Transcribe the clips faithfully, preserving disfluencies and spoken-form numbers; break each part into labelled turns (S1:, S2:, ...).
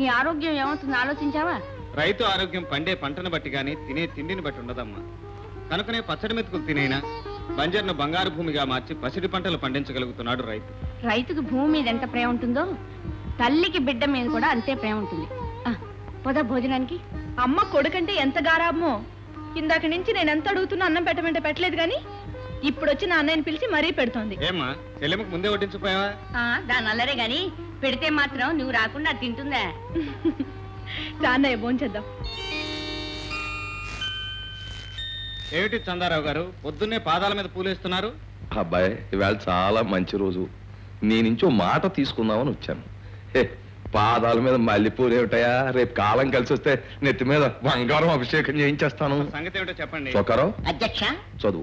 S1: ఆరోగ్యం ఏమవుతుందో ఆలోచించావా?
S2: రైతు ఆరోగ్యం పండే పంటను బట్టి గాని తినే తిండిని బట్టి ఉండదమ్మా. కనుకనే పచ్చడి మెతుకులు తినైనా బంజర్ను బంగారు భూమిగా మార్చి పసిడి పంటలు పండించగలుగుతున్నాడు రైతు.
S1: రైతుకు భూమి మీద ఎంత ప్రేమ ఉంటుందో తల్లికి బిడ్డ మీద కూడా అంతే ప్రేమ ఉంటుంది. పోదా భోజనానికి.
S3: అమ్మ కొడుకంటే ఎంత గారాబమో. ఇందాక నుంచి నేను ఎంత అడుగుతున్నా అన్నం పెట్టమంటే పెట్టలేదు గాని ఇప్పుడు వచ్చి నా అన్నయ్యని పిలిచి మరీ పెడుతోంది.
S2: ఏమ్మా చెల్లెమ్మకు ముందే వడ్డించిపోయావా?
S1: దాని అల్లరే గాని పెడితే మాత్రం నువ్వు రాకుండా తింటుందా?
S3: అన్నయ్య భోంచేద్దాం.
S2: ఏమిటి చందారావు గారు పొద్దున్నే పాదాల మీద పూలేస్తున్నారు?
S4: అబ్బాయి ఇవాళ చాలా మంచి రోజు, నీ నుంచి ఓ మాట తీసుకుందామని వచ్చాను. హే పాదాల మీద మల్లెపూలు ఏమిటయా, రేపు కాలం కలిసి వస్తే నెత్తి మీద బంగారం అభిషేకం చేయించేస్తాను.
S2: సంగతి ఏమిటో చెప్పండి.
S4: చొక్కారావు
S5: అధ్యక్ష,
S4: చదువు.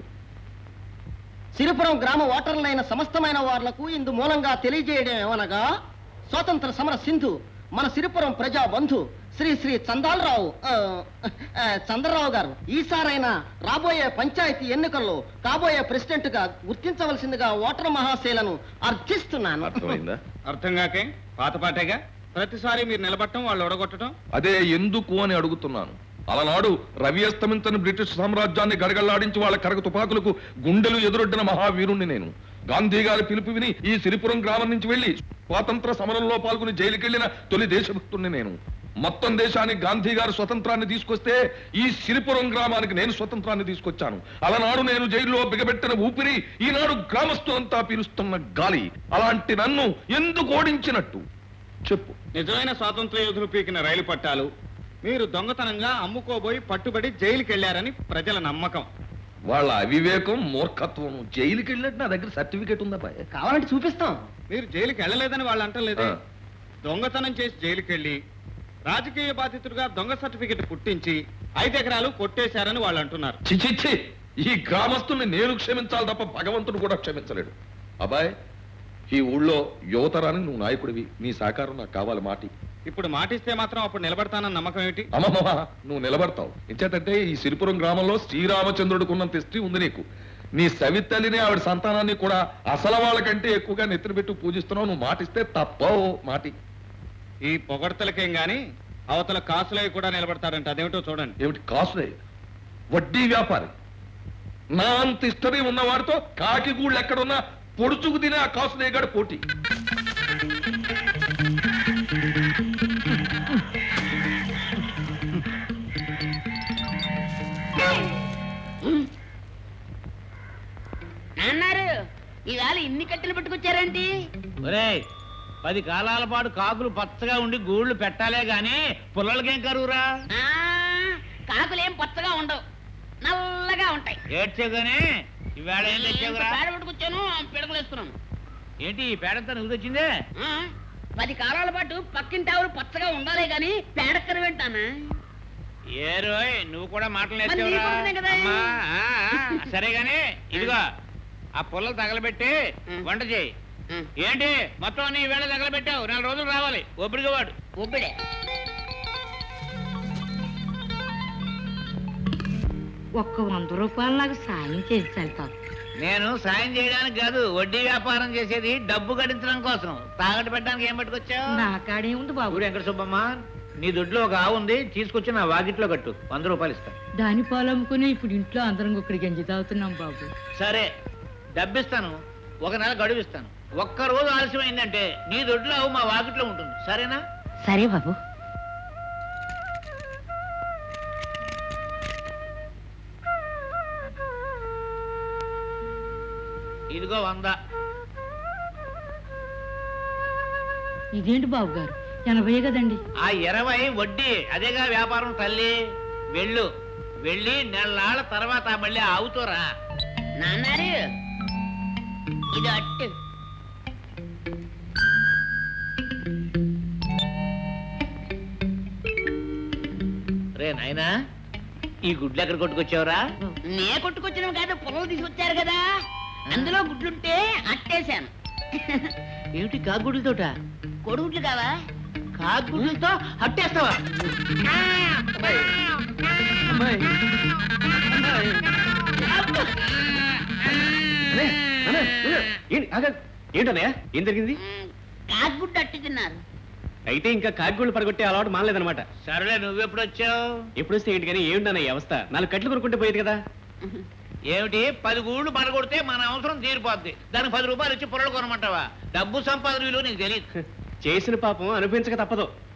S5: సిరిపురం గ్రామ ఓటర్లైన సమస్తమైన వార్లకు ఇందు మూలంగా తెలియజేయడం ఏమనగా, స్వాతంత్ర సమర సింధు మన సిరిపురం ప్రజా బంధు శ్రీ శ్రీ చందాలరావు చంద్రరావు గారు ఈసారైనా రాబోయే పంచాయతీ ఎన్నికల్లో కాబోయే ప్రెసిడెంట్ గా గుర్తించవలసిందిగా ఓటర్ మహాశైలను అర్థిస్తున్నాను.
S4: అర్థమైందా?
S2: అర్థం కాకే పాతపాటేగా ప్రతిసారి మీరు నిలబట్టడం వాళ్ళు ఒడగొట్టడం.
S4: అదే ఎందుకు అని అడుగుతున్నాను. అలనాడు రవి అస్తమించని బ్రిటిష్ సామ్రాజ్యాన్ని గడగళ్లాడించి వాళ్ళ కరగ తుపాకులకు గుండెలు ఎదురొడ్డిన మహావీరుణ్ణి నేను. గాంధీ గారి పిలుపు విని ఈ సిరిపురం గ్రామం నుంచి వెళ్లి స్వాతంత్ర సమరంలో పాల్గొని జైలుకెళ్లిన తొలి దేశభక్తుణ్ణి నేను. మొత్తం దేశానికి గాంధీ గారు స్వతంత్రాన్ని తీసుకొస్తే ఈ సిరిపురం గ్రామానికి నేను స్వతంత్రాన్ని తీసుకొచ్చాను. అలనాడు నేను జైల్లో బిగబెట్టిన ఊపిరి ఈనాడు గ్రామస్తులంతా పీలుస్తున్న గాలి. అలాంటి నన్ను ఎందుకు ఓడించినట్టు చెప్పు.
S2: నిజమైన స్వాతంత్ర యోధులు పీకిన రైలు పట్టాలు మీరు దొంగతనంగా అమ్ముకోబోయి పట్టుబడి జైలుకి వెళ్లారని ప్రజల నమ్మకం.
S4: వాళ్ళ అవివేకం మూర్ఖత్వం. జైలుకి వెళ్ళినట్టు నా దగ్గర సర్టిఫికేట్ ఉందా?
S5: కావాలంటే చూపిస్తాం.
S2: మీరు జైలుకి వెళ్ళలేదని వాళ్ళు అంటలేదే. దొంగతనం చేసి జైలుకి వెళ్ళి రాజకీయ బాధితుడిగా దొంగ సర్టిఫికెట్ పుట్టించి ఐదు ఎకరాలు కొట్టేశారని వాళ్ళు అంటున్నారు.
S4: చిచిచ్చి, ఈ గ్రామస్తుల్ని నేను క్షమించాలి తప్ప భగవంతుడు కూడా క్షమించలేడు. అబ్బాయ్, ఈ ఊళ్ళో యువతరానికి నువ్వు నాయకుడివి, నీ సహకారం నాకు కావాలి. మాటి
S2: ఇప్పుడు మాటిస్తే మాత్రం అప్పుడు నిలబడతానన్న నమ్మకం ఏమిటి?
S4: అమ్మమ్మ, నువ్వు నిలబడతావు. ఇంచేతంటే ఈ సిరిపురం గ్రామంలో శ్రీరామచంద్రుడికున్నంత హిస్టరీ ఉంది నీకు. నీ సవితల్లిని ఆవిడ సంతానాన్ని కూడా అసలు వాళ్ళకంటే ఎక్కువగా నెత్తిన పెట్టి పూజిస్తున్నావు. నువ్వు మాటిస్తే తప్పవు. మాటి.
S2: ఈ పొగడ్తలకేం గాని అవతల కాసులై కూడా నిలబడతాడంట. అదేమిటో చూడండి.
S4: ఏమిటి కాసులే? వడ్డీ వ్యాపారి. నా అంత హిస్టరీ ఉన్నవాడితో కాకిగూళ్ళు ఎక్కడున్నా పొడుచుకు తినే ఆ కాసులేగాడు పోటీ.
S1: అన్నారు ఇవాళ ఇన్ని కట్టెలు పట్టుకొచ్చారండి.
S6: పది కాలాల పాటు కాకులు పచ్చగా ఉండి గూళ్ళు పెట్టాలే గాని పుల్లలకేం కరువురా?
S1: కాకులేం పచ్చగా ఉండవు, నల్లగా ఉంటాయి.
S6: ఏడ్చేగానే ఈవేళ ఏం తెచ్చావురా?
S1: పేడ పట్టుకొచ్చాను, పిడకలేస్తున్నాను.
S6: ఏంటి ఈ పేడంతా నువ్వు తెచ్చిందే?
S1: పది కాలాల పాటు పక్కింటి ఆవులు పచ్చగా ఉండాలే గాని పేడక్కర వింటానా?
S6: ఏ రోయ్, నువ్వు కూడా మాటలు నేర్చావురా? సరే గాని ఇదిగో ఆ పుల్లలు తగలబెట్టి వంట చేయి. ఏంటి మొత్తం అన్ని వేళ తగలబెట్టావు? నాలుగు రోజులు రావాలి. ఒబ్బడిగా వాడు
S1: ఒబ్బడే. ఒక్క వంద రూపాయలు నాకు సాయం చేసి వెళ్తాను.
S6: నేను సాయం చేయడానికి కాదు, వడ్డీ వ్యాపారం చేసేది డబ్బు గడించడం కోసం. తాగట్టు పెట్టడానికి ఏం పట్టుకొచ్చావు?
S1: నా కాడే ఉంది బాబు.
S6: వెంకట సుబ్బమ్మ, నీ దొడ్లో ఒక ఆవు ఉంది, తీసుకొచ్చి నా వాకిట్లో కట్టు. వంద రూపాయలు ఇస్తా.
S1: దాని పాలు అమ్ముకుని ఇప్పుడు ఇంట్లో అందరం ఒకటి గంజి తాగుతున్నాం బాబు.
S6: సరే, డబ్బిస్తాను. ఒక నెల గడువిస్తాను. ఒక్క రోజు ఆలస్యమైందంటే నీ దొడ్లో ఆవు మా వాకిట్లో ఉంటుంది. సరేనా?
S1: సరే బాబు.
S6: ఇదిగో వంద.
S1: ఇదేంటి బాబు గారు, ఎనభై కదండి.
S6: ఆ ఇరవై వడ్డీ. అదేగా వ్యాపారం తల్లి. వెళ్ళు, వెళ్ళి నెలనాళ్ళ తర్వాత మళ్ళీ ఆవుతోరా.
S1: నాన్నారు ఇది అట్టు.
S6: రే నాయనా, ఈ గుడ్లు ఎక్కడ కొట్టుకొచ్చావురా?
S1: నే కొట్టుకొచ్చిన కాదు, పొలం తీసుకొచ్చారు కదా, అందులో గుడ్లుంటే అట్టేశాను.
S6: ఏమిటి కాగుడ్లతోట?
S1: కొడుగుడ్లు కావా?
S6: కాగుడ్లతో అట్టేస్తావా?
S2: ఏంటన్నయ్య, ఏం జరిగింది?
S1: కాకుగుడ్డు అట్టి తిన్నారు.
S7: అయితే ఇంకా కాకిగూళ్ళు పడగొట్టే అలవాటు మానలేదన్నమాట.
S6: సరేలే, నువ్వెప్పుడు వచ్చావు?
S7: ఎప్పుడు వస్తే ఏంటి కానీ ఏమిటన్న ఈ అవస్థ? నాలుగు కట్లు కొనుక్కుంటే పోయేది కదా.
S6: ఏమిటి, పది గూళ్ళు పడగొడితే మన అవసరం తీరిపోద్ది, దానికి పది రూపాయలు ఇచ్చి పొరలు కొనమంటావా? డబ్బు సంపాదన విలువ నీకు తెలియదు.
S7: చేసిన పాపం అనుభవించక తప్పదు.